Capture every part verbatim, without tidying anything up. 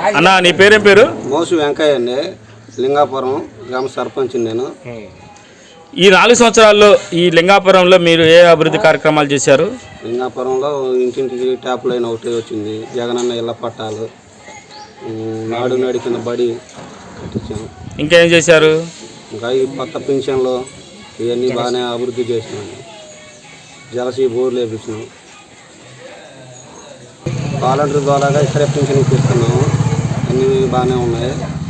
అన్న నీ పేరేం పేరు? మోసు వెంకయ్య అండి, లింగాపురం గ్రామ సర్పంచ్ నేను. ఈ నాలుగు సంవత్సరాల్లో ఈ లింగాపురంలో మీరు ఏ అభివృద్ధి కార్యక్రమాలు చేశారు? లింగాపురంలో ఇంటింటికి ట్యాప్ లైన్ ఒకటి వచ్చింది, జగనన్న ఇళ్ల పట్టాలు, నాడు నాడు కింద బడి కట్టించాను. ఇంకేం చేశారు? ఇంకా ఈ కొత్త పింఛన్లు ఇవన్నీ బాగానే అభివృద్ధి చేసినాను. జలసీ బోర్లు వేపించినాం. వాలంటీర్ ద్వారాగా ఇక్కడే పింఛన్ ఇప్పిస్తున్నాము. అన్నీ బాగానే ఉన్నాయి.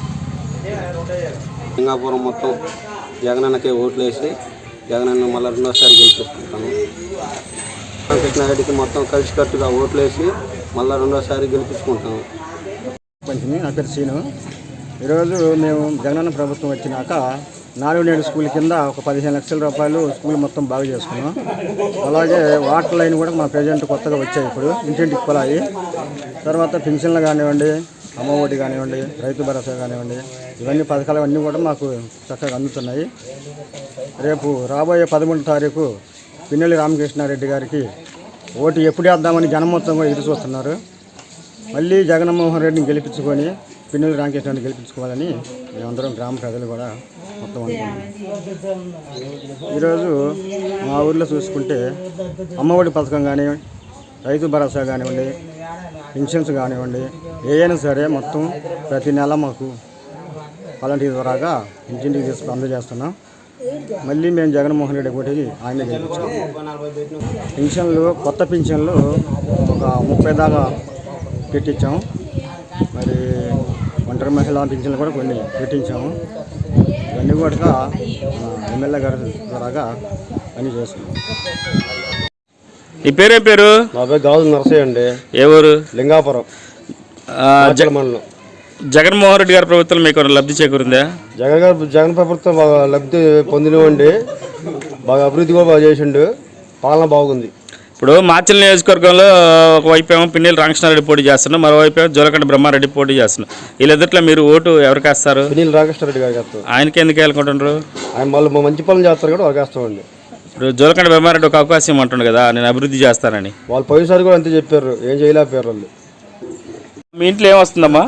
లింగాపురం మొత్తం జగనన్నకే ఓట్లు వేసి జగనన్న మళ్ళీ రెండోసారి గెలిపిస్తున్నాము. కృష్ణారెడ్డికి మొత్తం కలిసికట్టుగా ఓట్లు వేసి మళ్ళీ రెండోసారి గెలిపించుకుంటాము. పంచమి నా పేరు సీను. ఈరోజు మేము జగనన్న ప్రభుత్వం వచ్చినాక నాలుగు నేడు స్కూల్ కింద ఒక పదిహేను లక్షల రూపాయలు స్కూల్ మొత్తం బాగు చేసుకున్నాం. అలాగే వాటర్ లైన్ కూడా మా ప్రజెంట్ కొత్తగా వచ్చాయి. ఇప్పుడు ఇంటింటికి పొలాయి. తర్వాత పెన్షన్లు కానివ్వండి, అమ్మఒడి కానివ్వండి, రైతు భరోసా కానివ్వండి, ఇవన్నీ పథకాలు అన్నీ కూడా మాకు చక్కగా అందుతున్నాయి. రేపు రాబోయే పదమూడు తారీఖు పిన్నెల్లి రామకృష్ణారెడ్డి గారికి ఓటు ఎప్పుడు వేద్దామని జనం మొత్తం కూడా ఎదురు చూస్తున్నారు. మళ్ళీ జగన్మోహన్ రెడ్డిని గెలిపించుకొని పిన్నెల్లి రామకృష్ణారెడ్డిని గెలిపించుకోవాలని మేమందరం గ్రామ ప్రజలు కూడా మొత్తం అనుకుంటున్నాం. ఈరోజు మా ఊర్లో చూసుకుంటే అమ్మఒడి పథకం కానీ, రైతు భరోసా కానివ్వండి, పెన్షన్స్ కానివ్వండి, ఏదైనా సరే మొత్తం ప్రతి నెల మాకు వాలంటీర్ ద్వారాగా ఇంటింటికి తీసుకు అందజేస్తున్నాం. మళ్ళీ మేము జగన్మోహన్ రెడ్డి ఒకటి ఆయన గెలిపించాం. పెన్షన్లు కొత్త పెన్షన్లు ఒక ముప్పై దాకా పెట్టించాము. మరి ఒంటరి మహిళా పెన్షన్లు కూడా కొన్ని పెట్టించాము. ఇవన్నీ కూడా ఎమ్మెల్యే గారి ద్వారాగా పని చేస్తున్నాం. నీ పేరే పేరు? నా పేరు గాజు నరసయ్య అండి. ఏ ఊరు? లింగాపురం మండలం. జగన్మోహన్ రెడ్డి గారి ప్రభుత్వం మీకు లబ్ధి చేకూరిందా? జగన్ గారు జగన్ ప్రభుత్వం బాగా లబ్ధి పొందినవండి. బాగా అభివృద్ధి కూడా బాగా చేసిండు. పాలన బాగుంది. ఇప్పుడు మాచల్ నియోజకవర్గంలో ఒకవైపు ఏమో పిన్నెల్లి రామకృష్ణారెడ్డి పోటీ చేస్తున్నాం, మరోవైపు ఏమో జోలకండ బ్రహ్మారెడ్డి పోటీ చేస్తున్నాం. వీళ్ళిద్దరిలో మీరు ఓటు ఎవరికి వేస్తారు? పిన్నెల్లి రామకృష్ణారెడ్డి గారికి వేస్తారు. ఆయనకి ఎందుకు వేయాలనుకుంటున్నారు? ఆయన మళ్ళీ మంచి పనులు చేస్తారు కూడా వారికి వేస్తామండి. ఇప్పుడు జోలకండ బ్రహ్మారెడ్డి ఒక అవకాశం అంటుండు కదా, నేను అభివృద్ధి చేస్తానని. వాళ్ళు పోయినసారి కూడా అంతే చెప్పారు, ఏం చేయలేకపోయారు వాళ్ళు. మీ ఇంట్లో ఏమొస్తుందమ్మా?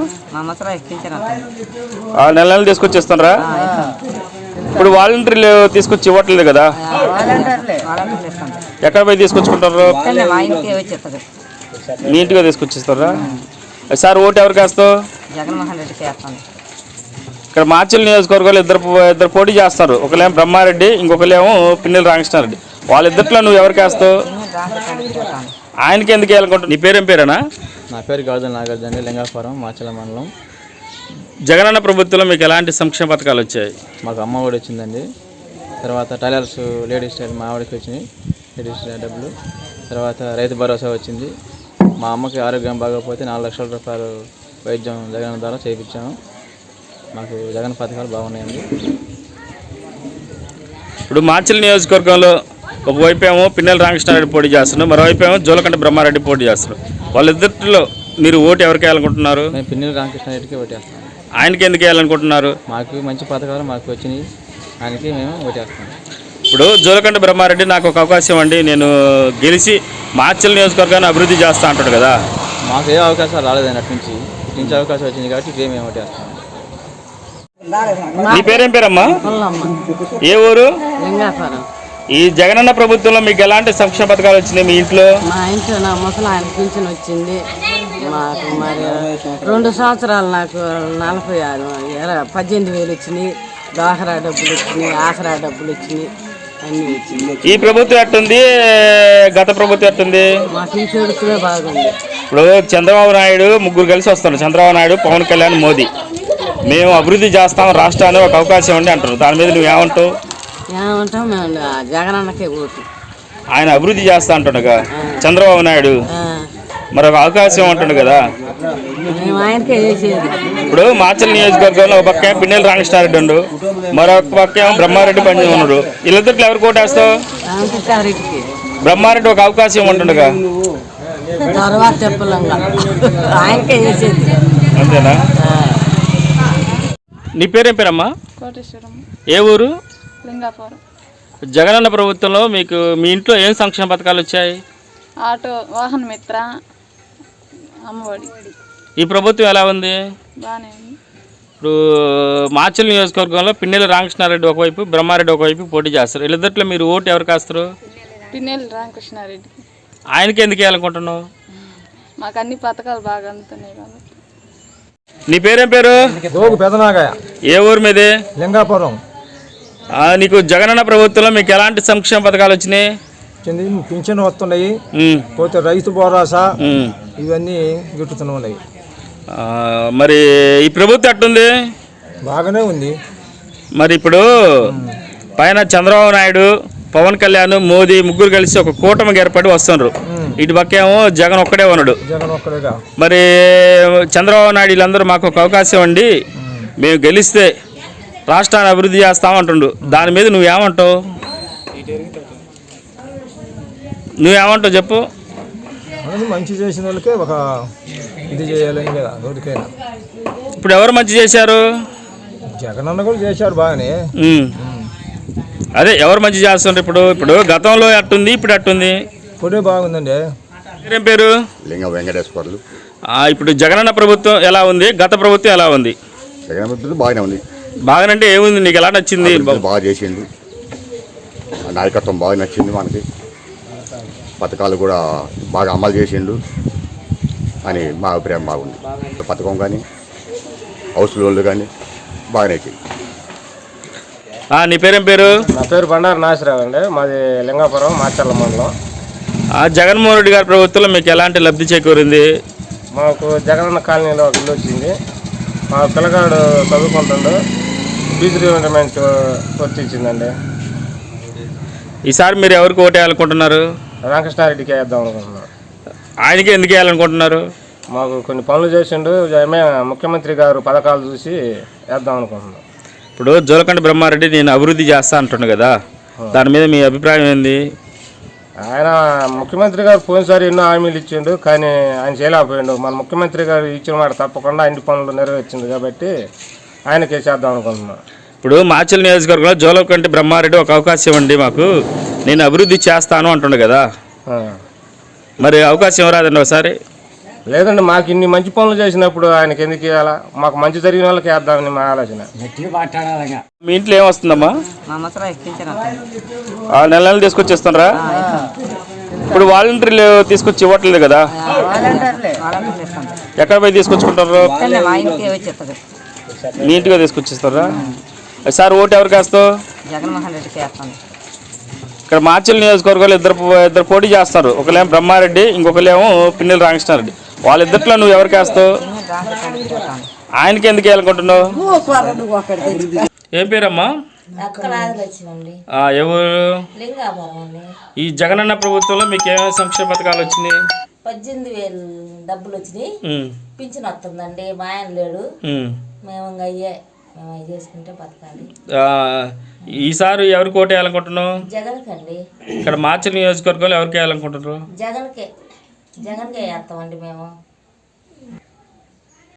నెల నెలలు తీసుకొచ్చేస్తారా? ఇప్పుడు వాలంటీర్లు తీసుకొచ్చి ఇవ్వట్లేదు కదా, ఎక్కడ పోయి తీసుకొచ్చుకుంటారు? మీ ఇంటిగా తీసుకొచ్చిస్తారా? సార్ ఓటు ఎవరికి వేస్తావు? ఇక్కడ మాచల్ నియోజకవర్గంలో ఇద్దరు ఇద్దరు పోటీ చేస్తారు. ఒకలేమో బ్రహ్మారెడ్డి, ఇంకొకలేమో పిన్నెల్లి రామకృష్ణారెడ్డి. వాళ్ళిద్దరిలో నువ్వు ఎవరికి వేస్తావు? ఆయనకి ఎందుకు వేయాలనుకుంటున్నావు? నీ పేరేం పేరేనా? నా పేరు గాజుల నాగార్జున, లింగాపురం మాచల మండలం. జగనన్న ప్రభుత్వంలో మీకు ఎలాంటి సంక్షేమ పథకాలు వచ్చాయి? మాకు అమ్మ ఒడి వచ్చిందండి. తర్వాత టైలర్స్ లేడీస్ టైలర్ మా ఆవిడకి వచ్చినాయి లేడీస్ డబ్బులు. తర్వాత రైతు భరోసా వచ్చింది. మా అమ్మకి ఆరోగ్యం బాగోకపోతే నాలుగు లక్షల రూపాయలు వైద్యం జగన్ ద్వారా చేయించాము. మాకు జగన్ పథకాలు బాగున్నాయండి. ఇప్పుడు మాచల్ నియోజకవర్గంలో ఒకవైపు ఏమో పిన్నెల్లి రామకృష్ణారెడ్డి పోటీ చేస్తున్నాడు, మరోవైపు ఏమో జోలకండ బ్రహ్మారెడ్డి పోటీ చేస్తున్నాడు. వాళ్ళిద్దరిలో మీరు ఓటు ఎవరికి వేయాలనుకుంటున్నారు? మేము పిన్నెల్లి రామకృష్ణారెడ్డికి ఓటేస్తాం. ఆయనకి ఎందుకు వేయాలనుకుంటున్నారు? మాకు మంచి పథకాలు మాకు వచ్చినాయి, ఆయనకి మేము ఓటేస్తాం. ఇప్పుడు జోలకండ బ్రహ్మారెడ్డి నాకు ఒక అవకాశం అండి, నేను గెలిచి మాచల్ నియోజకవర్గాన్ని అభివృద్ధి చేస్తా అంటాడు కదా. మాకు ఏ అవకాశాలు రాలేదండి, అటు నుంచి ఇటు నుంచి అవకాశం వచ్చింది కాబట్టి ఇదే మేము ఓటేస్తాం. నీ పేరేం పేరమ్మా? ఏ ఊరు? ఈ జగనన్న ప్రభుత్వంలో మీకు ఎలాంటి సంక్షేమ పథకాలు వచ్చినాయి మీ ఇంట్లో? మా ఇంట్లో నా ముసలి ఆయన పింఛన్ వచ్చింది. మాకు మరి రెండు సంవత్సరాలు నాకు నలభై ఆరు పద్దెనిమిది వేలు వచ్చినాయి. డాక్రా డబ్బులు వచ్చినాయి, ఆసరా డబ్బులు వచ్చినాయి, అన్నీ వచ్చినాయి. ఈ ప్రభుత్వం ఎట్టుంది, గత ప్రభుత్వం ఎట్టుంది? మాకు ఈ ప్రభుత్వమే బాగుంది. ఇప్పుడు చంద్రబాబు నాయుడు ముగ్గురు కలిసి వస్తున్నారు, చంద్రబాబు నాయుడు, పవన్ కళ్యాణ్, మోదీ. మేము అభివృద్ధి చేస్తాం రాష్ట్రాన్ని ఒక అవకాశం ఉండి అంటారు. దాని మీద నువ్వేమంటావు? ఏమంటాం, మేము జగనన్నకే ఓటు. ఆయన అభివృద్ధి చేస్తా అంటుండగా చంద్రబాబు నాయుడు మరొక అవకాశం అంటుండు కదా. ఇప్పుడు మాచల్ నియోజకవర్గంలో ఒక పక్క పిన్నెల్లి రామకృష్ణారెడ్డి ఉండు, మరొక పక్క బ్రహ్మారెడ్డి పని ఉన్నాడు. వీళ్ళిద్దరు ఎవరు కోటేస్తావు? బ్రహ్మారెడ్డి ఒక అవకాశం అంటుండగా. అంతేనా? నీ పేరేం పేరమ్మా? ఏ ఊరు? లింగాపురం. జగనన్న ప్రభుత్వంలో మీకు మీ ఇంట్లో ఏం సంక్షేమ పథకాలు వచ్చాయి? ఆటో, వాహన మిత్ర, అమ్మఒడి. ఈ ప్రభుత్వం ఎలా ఉంది? బాగానే ఉంది. ఇప్పుడు మాచల్ నియోజకవర్గంలో పిన్నెల రామకృష్ణారెడ్డి ఒకవైపు, బ్రహ్మారెడ్డి ఒకవైపు పోటీ చేస్తారు. వీళ్ళిద్దరిలో మీరు ఓటు ఎవరికి వేస్తారు? పిన్నెల్లి రామకృష్ణారెడ్డికి. ఆయనకి ఎందుకు వేయాలనుకుంటున్నావు? మాకు అన్ని పథకాలు బాగా అందుతున్నాయి కాబట్టి. నీ పేరేం పేరు? గోగు పెదనాగయ్య, ఏ ఊరు మీది? లింగాపురం. ఆ, నీకు జగనన్న ప్రభుత్వంలో మీకు ఎలాంటి సంక్షేమ పథకాలు వచ్చినాయి? కింద పింఛన్ వస్తున్నాయి, ఉమ్, పోతే రైతు భరోసా ఉమ్. ఇవన్నీ గిట్టుతూ ఉన్నాయి. ఆ, మరి ఈ ప్రభుత్వం ఎట్టుంది? బాగానే ఉంది. మరి ఇప్పుడు పైన చంద్రబాబు నాయుడు, పవన్ కళ్యాణ్, మోదీ ముగ్గురు కలిసి ఒక కూటమికి ఏర్పడి వస్తున్నారు. ఇటు పక్కేమో జగన్ ఒక్కడే ఉన్నాడు. జగన్ ఒక్కడేగా. మరి చంద్రబాబు నాయుడు వీళ్ళందరూ మాకు ఒక అవకాశం అండి, మేము గెలిస్తే రాష్ట్రాన్ని అభివృద్ధి చేస్తామంటుండు. దాని మీద నువ్వేమంటావు? నువ్వేమంటావు చెప్పు. అనేది మంచి చేసిన వాళ్ళకే ఒక ఇది చేయాలని కదా ఎవరికైనా. ఇప్పుడు ఎవరు మంచి చేశారు? జగన్ అన్న కూడా చేశారు బాగానే. ఉమ్. అదే ఎవరు మంచి చేస్తున్నారు ఇప్పుడు? ఇప్పుడు గతంలో అట్టుంది, ఇప్పుడు అట్టుంది. ఇప్పుడే బాగుందండి. మీరేం పేరు? లింగ వెంకటేశ్వర్లు. ఆ, ఇప్పుడు జగనన్న ప్రభుత్వం ఎలా ఉంది, గత ప్రభుత్వం ఎలా ఉంది? జగన్ ప్రభుత్వం బాగానే ఉంది. బాగానంటే ఏముంది, నీకు ఎలా నచ్చింది? అభివృద్ధి బాగా చేసిండు, ఆ నాయకత్వం బాగా నచ్చింది మనకి, పథకాలు కూడా బాగా అమలు చేసిండు అని మా అభిప్రాయం బాగుంది. పథకం కానీ హౌస్ లోన్లు కానీ బాగానే చేయండి. ఆ, నీ పేరేం పేరు? నా పేరు బండారు నాసిరావు అండి, మాది లింగాపురం మాచర్ల మండలం. ఆ, జగన్మోహన్ రెడ్డి గారి ప్రభుత్వంలో మీకు ఎలాంటి లబ్ధి చేకూరింది? మాకు జగనన్న కాలనీలో ఒక ఇల్లు వచ్చింది. మా పిల్లగాడు చదువుకుంటుండు, ఫీజు రీయింబర్స్మెంట్ వర్తించిందండి. ఈసారి మీరు ఎవరికి ఓటు వేయాలనుకుంటున్నారు? రామకృష్ణారెడ్డికి వేద్దాం అనుకుంటున్నాం. ఆయనకి ఎందుకు వేయాలనుకుంటున్నారు? మాకు కొన్ని పనులు చేసిండు, ఏమే ముఖ్యమంత్రి గారు పథకాలు చూసి వేద్దాం అనుకుంటున్నాం. ఇప్పుడు జోలకండ బ్రహ్మారెడ్డి నేను అభివృద్ధి చేస్తా అంటున్నాను కదా, దాని మీద మీ అభిప్రాయం ఏంది? ఆయన ముఖ్యమంత్రి గారు పోయినసారి ఎన్నో హామీలు ఇచ్చిండు, కానీ ఆయన చేయలేకపోయిండు. మన ముఖ్యమంత్రి గారు ఇచ్చిన మాట తప్పకుండా అన్ని పనులు నెరవేర్చింది కాబట్టి ఆయనకే చేద్దాం అనుకుంటున్నాం. ఇప్పుడు మాచల్ నియోజకవర్గంలో జోలకంటి బ్రహ్మారెడ్డి ఒక అవకాశం ఇవ్వండి మాకు, నేను అభివృద్ధి చేస్తాను అంటుండు కదా, మరి అవకాశం ఇవ్వరాదండి ఒకసారి? లేదండి, మాకు ఇన్ని మంచి పనులు చేసినప్పుడు ఆయనకి ఎందుకు ఇవ్వాలా? మాకు మంచి జరిగిన వాళ్ళకి వేద్దామని మా ఆలోచన. మీ ఇంట్లో ఏమొస్తుందమ్మా? మా ముసలి పింఛన్ వస్తుంది. ఆ నెల నెలలు తీసుకొచ్చి ఇస్తున్నారా? ఇప్పుడు వాలంటీర్లు తీసుకొచ్చి ఇవ్వట్లేదు కదా, ఎక్కడ పోయి తీసుకొచ్చుకుంటారు? మా ఇంటికి వచ్చేస్తుంది. నీట్గా తీసుకొచ్చిస్తారా? సార్ ఓటు ఎవరికి వేస్తావు? జగన్మోహన్ రెడ్డికి వేస్తాను. ఇక్కడ మాచల్ నియోజకవర్గంలో ఇద్దరు ఇద్దరు పోటీ చేస్తారు. ఒకళ్ళేమో బ్రహ్మారెడ్డి, ఇంకొకళ్ళేమో పిన్నెల రామకృష్ణారెడ్డి. వాళ్ళిద్దరిలో నువ్వు ఎవరికి వేస్తావు? ఆయనకి ఎందుకు వేయాలనుకుంటున్నావు? ఏం పేరమ్మా? ఆ, ఎవరు? ఈ జగనన్న ప్రభుత్వంలో మీకు ఏమేమి సంక్షేమ పథకాలు వచ్చినాయి? పద్దెనిమిది వేలు డబ్బులు వచ్చినాయి, పింఛన్ వస్తుందండి. మా ఆయన లేడు, మేము ఇంకా అయ్యే మేము అవి చేసుకుంటే బతకాలి. ఈసారి ఎవరికి ఓటు వేయాలనుకుంటున్నావు? జగన్కి అండి. ఇక్కడ మాచల్ నియోజకవర్గంలో ఎవరికి వేయాలనుకుంటున్నారు? జగన్కే జగన్కే వేస్తామండి మేము.